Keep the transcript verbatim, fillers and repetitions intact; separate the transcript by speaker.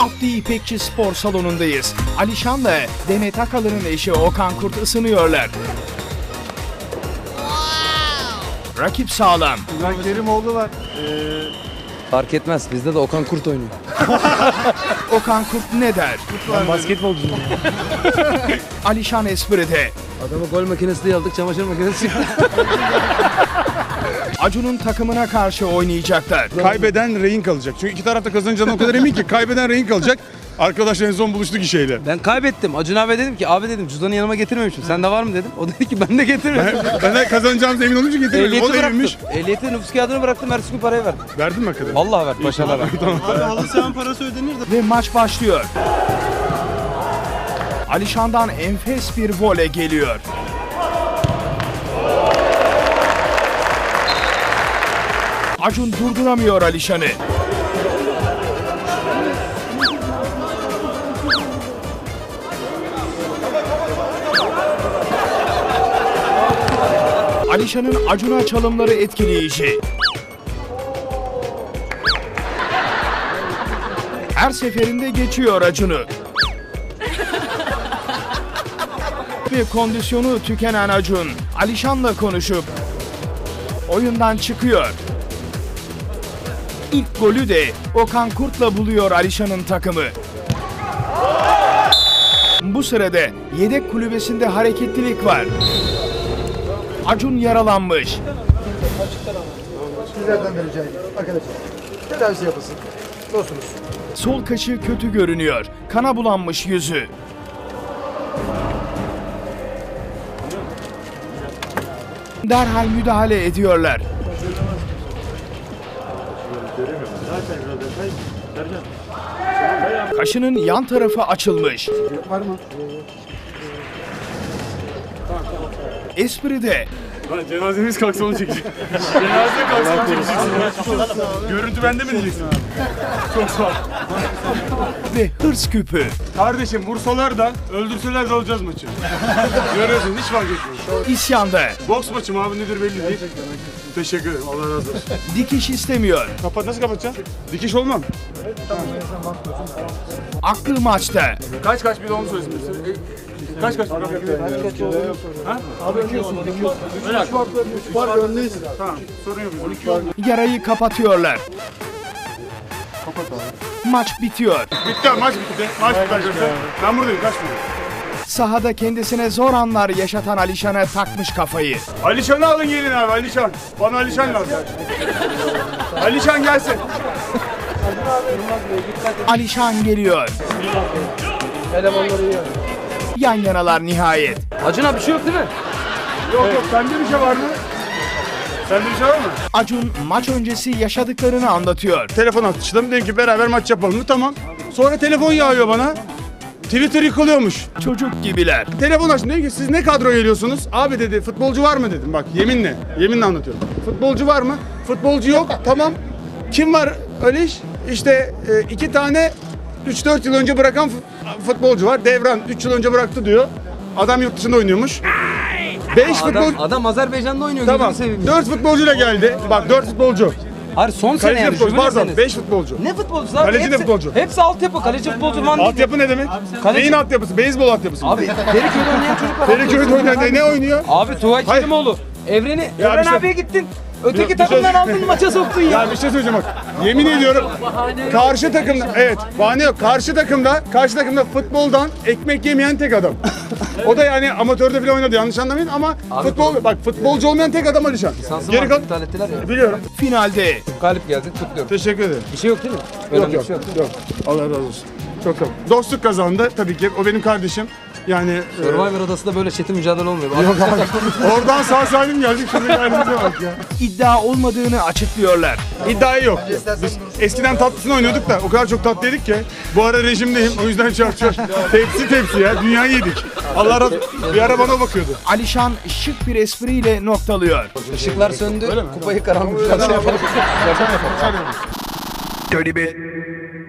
Speaker 1: Abdi İpekçi Spor Salonu'ndayız. Alişan'la Demet Akalın'ın eşi Okan Kurt ısınıyorlar. Rakip sağlam.
Speaker 2: İlhan Kerimoğlu var. Ee,
Speaker 3: Fark etmez. Bizde de Okan Kurt oynuyor.
Speaker 1: Okan Kurt ne der?
Speaker 2: ben basketbolcuyum.
Speaker 1: Alişan espride.
Speaker 3: Adamı gol makinesi diye aldık, çamaşır makinesi çıktı.
Speaker 1: Acun'un takımına karşı oynayacaklar.
Speaker 4: Kaybeden rehin kalacak. Çünkü iki tarafta kazanacağına o kadar emin ki kaybeden rehin kalacak. Arkadaşlar en son buluştuk işeyle.
Speaker 3: Ben kaybettim. Acun abi dedim ki, abi dedim cüzdanı yanıma getirmemişim. Sende var mı dedim. O dedi ki ben de getirmedim.
Speaker 4: Ben de kazanacağımıza emin olunca getirmedim.
Speaker 3: Ehliyeti
Speaker 4: O da eminmiş.
Speaker 3: bıraktım. Ehliyeti nüfus kağıdını bıraktım. Ertesi gün parayı verdim.
Speaker 4: Verdin mi hakikaten?
Speaker 3: Vallahi verdim. Başarılar verdim.
Speaker 2: Abi halı sahanın parası ödenir de.
Speaker 1: Ve maç başlıyor. Alişan'dan enfes bir voley geliyor. Acun durduramıyor Alişan'ı. Alişan'ın Acun'a çalımları etkileyici. Her seferinde geçiyor Acun'u. Ve kondisyonu tükenen Acun, Alişan'la konuşup oyundan çıkıyor. İlk golü de Okan Kurt'la buluyor Alişan'ın takımı. Bu sırada yedek kulübesinde hareketlilik var. Acun yaralanmış.
Speaker 2: Sizlerden de rica ediyorum. Arkadaşlar tedavisi yapılsın. Dostunuz.
Speaker 1: Sol kaşı kötü görünüyor. Kana bulanmış yüzü. Derhal müdahale ediyorlar. Kaşının yan tarafı açılmış.
Speaker 2: Var mı?
Speaker 1: Espride.
Speaker 4: Cenazemiz kalksa onu çekecek. Cenaze kalksa onu çekeceksin. Görüntü bende mi diyeceksin? Çok sağ ol.
Speaker 1: Ve hırs küpü.
Speaker 4: Kardeşim vursalar da öldürseler de alacağız maçı. Görüyorsun hiç fark etmiyor.
Speaker 1: İsyanda.
Speaker 4: Boks maçı mı abi nedir belli değil. Teşekkür ederim Allah razı olsun.
Speaker 1: Dikiş istemiyor.
Speaker 4: Kapat nasıl kapatacaksın? Dikiş olmam.
Speaker 1: Aklı maçta.
Speaker 4: Kaç kaç bir de onu söylesin. Kaç kaç? Kaç kaç oldu? Ha?
Speaker 2: üç var öndeyiz.
Speaker 4: Tamam sorun yok.
Speaker 1: Yarayı kapatıyorlar.
Speaker 4: Kapat abi.
Speaker 1: Maç bitiyor.
Speaker 4: Bitti maç bitti. Maç bitti arkadaşlar. Ben buradayım kaçmıyorum.
Speaker 1: Sahada kendisine zor anlar yaşatan Alişan'a takmış kafayı.
Speaker 4: Alişan'ı alın gelin abi Alişan. Bana Alişan lazım. Alişan gelsin.
Speaker 1: Alişan geliyor. Yan yanalar nihayet.
Speaker 3: Acun abi bir şey yok değil mi?
Speaker 4: Yok yok sende bir şey var mı? Sende bir şey var mı?
Speaker 1: Acun maç öncesi yaşadıklarını anlatıyor.
Speaker 4: Telefon atıştım dedim ki beraber maç yapalım mı? Tamam. Sonra telefon yağıyor bana. Twitter yıkılıyormuş.
Speaker 1: Çocuk gibiler.
Speaker 4: Telefon açtım dedim ki siz ne kadro geliyorsunuz? Abi dedi futbolcu var mı dedim. Bak yeminle. Yeminle anlatıyorum. Futbolcu var mı? Futbolcu yok. Tamam. Kim var öyle iş? İşte e, iki tane üç dört yıl önce bırakan futbolcu var. Devran üç yıl önce bıraktı diyor. Adam yurt dışında oynuyormuş. beş futbol
Speaker 3: Adam, adam Azerbaycan'da oynuyor.
Speaker 4: Tamam.
Speaker 3: Gözünü seveyim.
Speaker 4: dört futbolcuyla geldi. Bak dört futbolcu.
Speaker 3: Hayır son sene
Speaker 4: Kaleci
Speaker 3: yani.
Speaker 4: futbolcu.
Speaker 3: jübile
Speaker 4: Pardon
Speaker 3: senesi.
Speaker 4: beş futbolcu.
Speaker 3: Ne futbolcusu abi?
Speaker 4: Kaleci de
Speaker 3: Hepsi-
Speaker 4: futbolcu.
Speaker 3: Hepsi altyapı. Kaleci futbolcu falan değil.
Speaker 4: Altyapı ne demek?
Speaker 3: Kaleci-
Speaker 4: Neyin altyapısı? Beyzbol altyapısı.
Speaker 3: Abi Feriköy'de oynayan çocuk var.
Speaker 4: Feriköy'de oynayan ne, ne oynuyor?
Speaker 3: Abi Tuğay
Speaker 4: Hayır.
Speaker 3: Kerimoğlu. Evreni,
Speaker 4: Ya
Speaker 3: Evren
Speaker 4: bir şey-
Speaker 3: abiye gittin. Öteki
Speaker 4: Bir- bir şey-
Speaker 3: takımdan aldın maça soktun ya.
Speaker 4: Ya bir şey söyleyeceğim bak. Yemin ediyorum. Karşı takımda evet bahane yok. Karşı takımda karşı takımda futboldan ekmek yemeyen tek adam. O da yani amatörde bile oynadı yanlış anlamayın ama futbol bak futbolcu olmayan tek adam Alişan.
Speaker 3: Sansın
Speaker 4: Geri
Speaker 3: var,
Speaker 4: kal.
Speaker 3: iptal ettiler ya.
Speaker 4: Biliyorum.
Speaker 1: Finalde
Speaker 3: Galip geldik, kutluyorum.
Speaker 4: Teşekkür ederim.
Speaker 3: Bir şey yok değil mi?
Speaker 4: Yok
Speaker 3: Önemli
Speaker 4: yok
Speaker 3: bir şey yok.
Speaker 4: yok. Allah razı olsun. Çok sağ ol. Dostluk kazandı tabii ki. O benim kardeşim. Yani e,
Speaker 3: Survivor adasında böyle çetin mücadele olmuyor.
Speaker 4: yok abi. Oradan sağ salim geldik. Şurada halimize bak ya.
Speaker 1: iddia olmadığını açıklıyorlar.
Speaker 4: İddiayı yok. Biz eskiden tatlısını oynuyorduk da o kadar çok tatlı yedik ki bu ara rejimdeyim o yüzden çarçur. tepsi tepsi ya dünyayı yedik. Allah razı olsun. Bir ara bana o bakıyordu.
Speaker 1: Alişan şık bir espriyle noktalıyor.
Speaker 3: Işıklar söndü, kupayı karanlıkta şey yapalım.
Speaker 1: Dirty bit.